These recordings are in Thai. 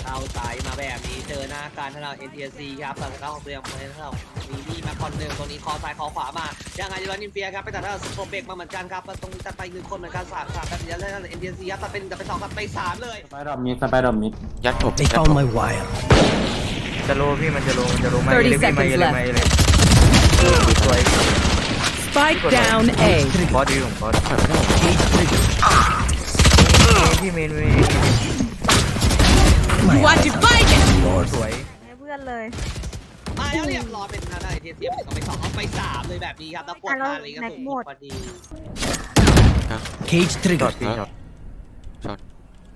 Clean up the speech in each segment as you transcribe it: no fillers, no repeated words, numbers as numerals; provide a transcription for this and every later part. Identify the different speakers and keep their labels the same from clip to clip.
Speaker 1: เอาสายมาแบบนี้เจอหน้าการทาง NTSC ครับแต่ทางของเตรียมเลยนะครับมีนี่มาคอนหนึ่งตรงนี้คอซ้ายคอขวามายังไงจะนินเฟียครับไปตัดทางสโคเบกมาเหมือนกันครับตรงนี้ตัดไป1คนเหมือนกัน3แบบนี้แล้ว NTSC ครับตัดเป็นตัดไป2ตัดไป3เลย
Speaker 2: สไปดอมมิด
Speaker 3: ยัดผม
Speaker 4: They found my wire.
Speaker 5: จะโลพี่มันจะโลมาเลยเลยสวย
Speaker 6: Spike down A.
Speaker 5: บอสดีผมบอสพี่เมน
Speaker 6: You want to fight it?
Speaker 5: สวย
Speaker 7: ให้เพื่อนเลย
Speaker 1: มาแล้วเรียบร้อยเป็นทาง NTSC ไป2ไป2เอาไป3เลยแบบนี้ครับแล้วกดมาเลยก็ถูกพอดี
Speaker 4: Cage
Speaker 5: ช็อ
Speaker 4: trigger.
Speaker 5: ตพี่ช็อต
Speaker 3: ช็อต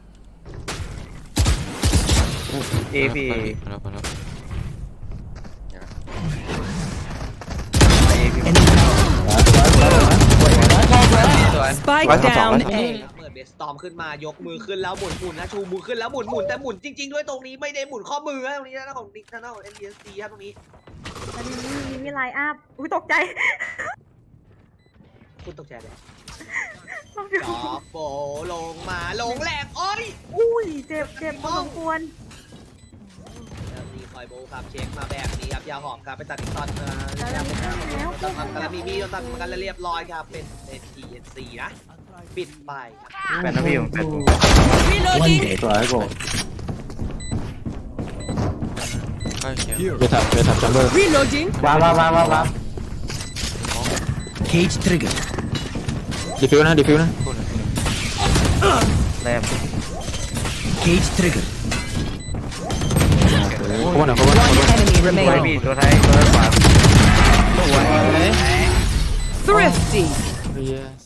Speaker 5: เอพี่
Speaker 3: มาแล้ว
Speaker 6: Spike down A.
Speaker 1: เปิดเบสตอมขึ้นมายกมือขึ้นแล้วหมุนนะชูมือขึ้นแล้วหมุนแต่หมุนจริงๆด้วยตรงนี้ไม่ได้หมุนข้อมือตรงนี้นะของนิกนะของ NTSC ครับตรงนี้
Speaker 7: ตอนนี้มีไลน์อัพอุ้ยตกใจ
Speaker 1: คุณตกใจเลย
Speaker 7: ต้อง
Speaker 1: จอบโบลงมาลงแหลกโอ้ย
Speaker 7: อุ้ยเจ็บพอสมควร
Speaker 1: แล้วมีคอยโบครับเช็คมาแบบนี้ครับยาหอมครับไปตัดอีกตอน
Speaker 7: แล้วแล้ว
Speaker 1: ต้องทำกันแล้วมีมีต้องตัดกันแล้วเรียบร้อยครับเป็น NTSC นะปิดไปครับ
Speaker 5: แปดนะพี่ผมแปด
Speaker 4: One dead.
Speaker 2: สวยโก
Speaker 3: ก็เขียว
Speaker 2: เวทับจัมเบอร์
Speaker 6: Reloading.
Speaker 2: วาง
Speaker 4: Cage trigger.
Speaker 2: ดีฟิวนะ
Speaker 5: แรม
Speaker 4: Cage trigger.
Speaker 2: ขบวน
Speaker 6: One enemy
Speaker 5: สวย
Speaker 6: remaining.
Speaker 5: พี่ตัวท้ายตัวขวา
Speaker 6: Thrifty.
Speaker 2: yes